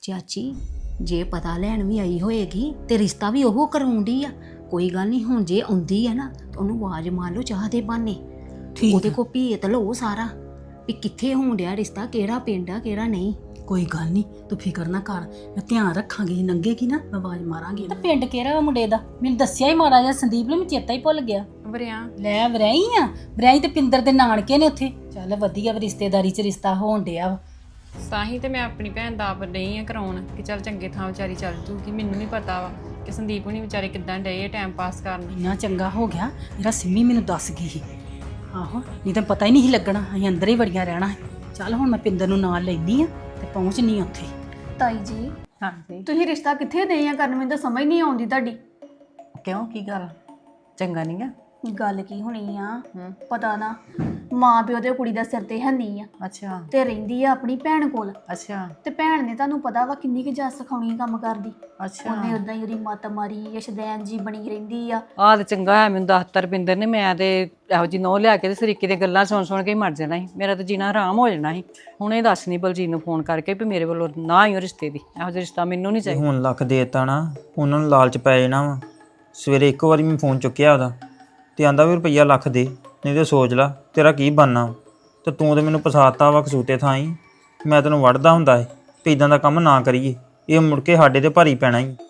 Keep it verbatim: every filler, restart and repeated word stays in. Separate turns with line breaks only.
ਚਾਚੀ ਜੇ ਪਤਾ ਲੈਣ ਵੀ ਆਈ ਹੋਏਗੀ ਤੇ ਰਿਸ਼ਤਾ ਵੀ ਉਹ ਕਰਾਉਂਦੀ ਆ। ਕੋਈ ਗੱਲ ਨਹੀਂ, ਹੁਣ ਜੇ ਆਉਂਦੀ ਆ ਨਾ ਤਾਂ ਉਹਨੂੰ ਆਵਾਜ਼ ਮਾਰ ਲਓ ਚਾਹ ਦੇ ਬਹਾਨੇ।
ਠੀਕ
ਉਹਦੇ ਕੋ ਭੇਤ ਲਓ ਸਾਰਾ ਵੀ ਕਿੱਥੇ ਹੋਣ ਡਿਆ ਰਿਸ਼ਤਾ, ਕਿਹੜਾ ਪਿੰਡ ਆ ਕਿਹੜਾ ਨਹੀਂ।
ਕੋਈ ਗੱਲ ਨਹੀਂ, ਤੂੰ ਫਿਕਰ ਨਾ ਕਰ, ਮੈਂ ਧਿਆਨ ਰੱਖਾਂਗੀ। ਨੰਗੇਗੀ ਨਾ ਮੈਂ ਆਵਾਜ਼ ਮਾਰਾਂਗੀ।
ਤਾਂ ਪਿੰਡ ਕਿਹੜਾ ਵਾ ਮੁੰਡੇ ਦਾ? ਮੈਨੂੰ ਦੱਸਿਆ ਹੀ ਮਾੜਾ ਜਿਹਾ ਸੰਦੀਪ ਨੇ, ਮੈਂ ਚੇਤਾ ਹੀ ਭੁੱਲ ਗਿਆ।
ਵਰਿਆ
ਲੈ ਵਰਾਈ ਆ, ਵਰਾਈ ਤੇ ਪਿੰਦਰ ਦੇ ਨਾਨਕੇ ਨੇ ਉੱਥੇ। ਚੱਲ ਵਧੀਆ ਵਾ, ਰਿਸ਼ਤੇਦਾਰੀ 'ਚ ਰਿਸ਼ਤਾ ਹੋਣ ਡਿਆ ਵਾ।
ਸਾਹੀ ਤੇ ਮੈਂ ਆਪਣੀ ਭੈਣ ਦਾ ਆਪ ਨਹੀਂ ਆ ਕਰਾਉਣ ਕਿ ਚੱਲ ਚੰਗੇ ਥਾਂ ਵਿਚਾਰੀ ਚੱਲ ਜੂਗੀ। ਮੈਨੂੰ ਨਹੀਂ ਪਤਾ ਵਾ ਕਿ ਸੰਦੀਪ ਹੁਣੀ ਵਿਚਾਰੇ ਕਿੱਦਾਂ ਡਏ ਟਾਈਮ ਪਾਸ ਕਰਨ।
ਇੰਨਾ ਚੰਗਾ ਹੋ ਗਿਆ ਜਿਹੜਾ ਸਿੰਮੀ ਮੈਨੂੰ ਦੱਸ ਗਈ ਸੀ। ਆਹੋ, ਨਹੀਂ ਤਾਂ ਪਤਾ ਹੀ ਨਹੀਂ ਸੀ ਲੱਗਣਾ, ਅਸੀਂ ਅੰਦਰ ਹੀ ਵੜੀਆਂ ਰਹਿਣਾ ਹੈ। ਚੱਲ ਹੁਣ ਮੈਂ ਪਿੰਦਰ ਨੂੰ ਨਾਲ ਲੈਂਦੀ ਆ ਤੇ ਪਹੁੰਚਣੀ ਉੱਥੇ।
ਤਾਈ ਜੀ,
ਹਾਂਜੀ
ਤੁਸੀਂ ਰਿਸ਼ਤਾ ਕਿੱਥੇ ਦੇ ਆ ਕਰਨ? ਮੈਨੂੰ ਤਾਂ ਸਮਝ ਨਹੀਂ ਆਉਂਦੀ ਤੁਹਾਡੀ
ਕਿਉਂ, ਕੀ ਗੱਲ ਚੰਗਾ ਨਹੀਂ ਗਾ?
ਗੱਲ ਕੀ ਹੋਣੀ ਆ। ਪਤਾ ਨਾ, ਮਾਂ ਪਿਓ ਦੇ ਕੁੜੀ ਦਾ ਸਿਰ ਤੇ ਹੈ ਨਹੀਂ ਆ
ਅੱਛਾ
ਤੇ ਰਹਿੰਦੀ ਆ ਆਪਣੀ ਭੈਣ ਕੋਲ।
ਅੱਛਾ
ਤੇ ਭੈਣ ਨੇ ਤੁਹਾਨੂੰ ਪਤਾ ਵਾ ਕਿੰਨੀ ਕੁ ਜੱਸ ਸਿਖਾਉਣੀ ਕੰਮ ਕਰਦੀ।
ਅੱਛਾ
ਉਹਨੇ ਉਦਾਂ ਹੀ ਉਹਦੀ ਮੱਤ ਮਾਰੀ, ਯਸ਼ਦੈਨ ਜੀ ਬਣੀ ਰਹਿੰਦੀ ਆ।
ਆਹ ਤੇ ਚੰਗਾ ਹੋਇਆ ਮੈਨੂੰ ਦੱਸਤਾ ਰੁਪਿੰਦਰ ਨੇ। ਮੈਂ ਤੇ ਇਹੋ ਜੀ ਨਹੁੰ ਲਿਆ ਕੇ ਤੇ ਸਰੀਕੇ ਦੀਆਂ ਗੱਲਾਂ ਸੁਣ ਸੁਣ ਕੇ ਹੀ ਮਰ ਜਾਣਾ ਸੀ। ਮੇਰਾ ਤਾਂ ਜੀਣਾ ਹਰਾਮ ਹੋ ਜਾਣਾ ਸੀ। ਹੁਣ ਇਹ ਦੱਸ ਨਹੀਂ ਬਲਜੀਤ ਨੂੰ ਫੋਨ ਕਰਕੇ ਵੀ ਮੇਰੇ ਵੱਲੋਂ ਨਾ ਹੀ ਉਹ ਰਿਸ਼ਤੇ ਦੀ, ਇਹੋ ਜਿਹਾ ਰਿਸ਼ਤਾ ਮੈਨੂੰ ਨਹੀਂ ਚਾਹੀਦਾ।
ਹੁਣ ਲੱਖ ਦੇਤਾ ਨਾ, ਉਹਨਾਂ ਨੂੰ ਲਾਲਚ ਪੈ ਜਾਣਾ ਵਾ। ਸਵੇਰੇ ਇੱਕ ਵਾਰੀ ਮੈਂ ਫੋਨ ਚੁੱਕਿਆ ਉਹਦਾ ਤੇ ਆਂਦਾ ਵੀ ਰੁਪਈਆ ਲੱਖ ਦੇ, ਨਹੀਂ ਤੇ ਸੋਚ ਲਾ ਤੇਰਾ ਕੀ ਬਣਨਾ। ਤੇ ਤੂੰ ਤੇ ਮੈਨੂੰ ਫਸਾਤਾ ਵਾ ਕਸੂਤੇ ਥਾਂ ਹੀ। ਮੈਂ ਤੈਨੂੰ ਵੜਦਾ ਹੁੰਦਾ ਏ ਵੀ ਇਦਾਂ ਦਾ ਕੰਮ ਨਾ ਕਰੀਏ, ਇਹ ਮੁੜ ਕੇ ਸਾਡੇ ਤੇ ਭਾਰੀ ਪੈਣਾ ਹੀ।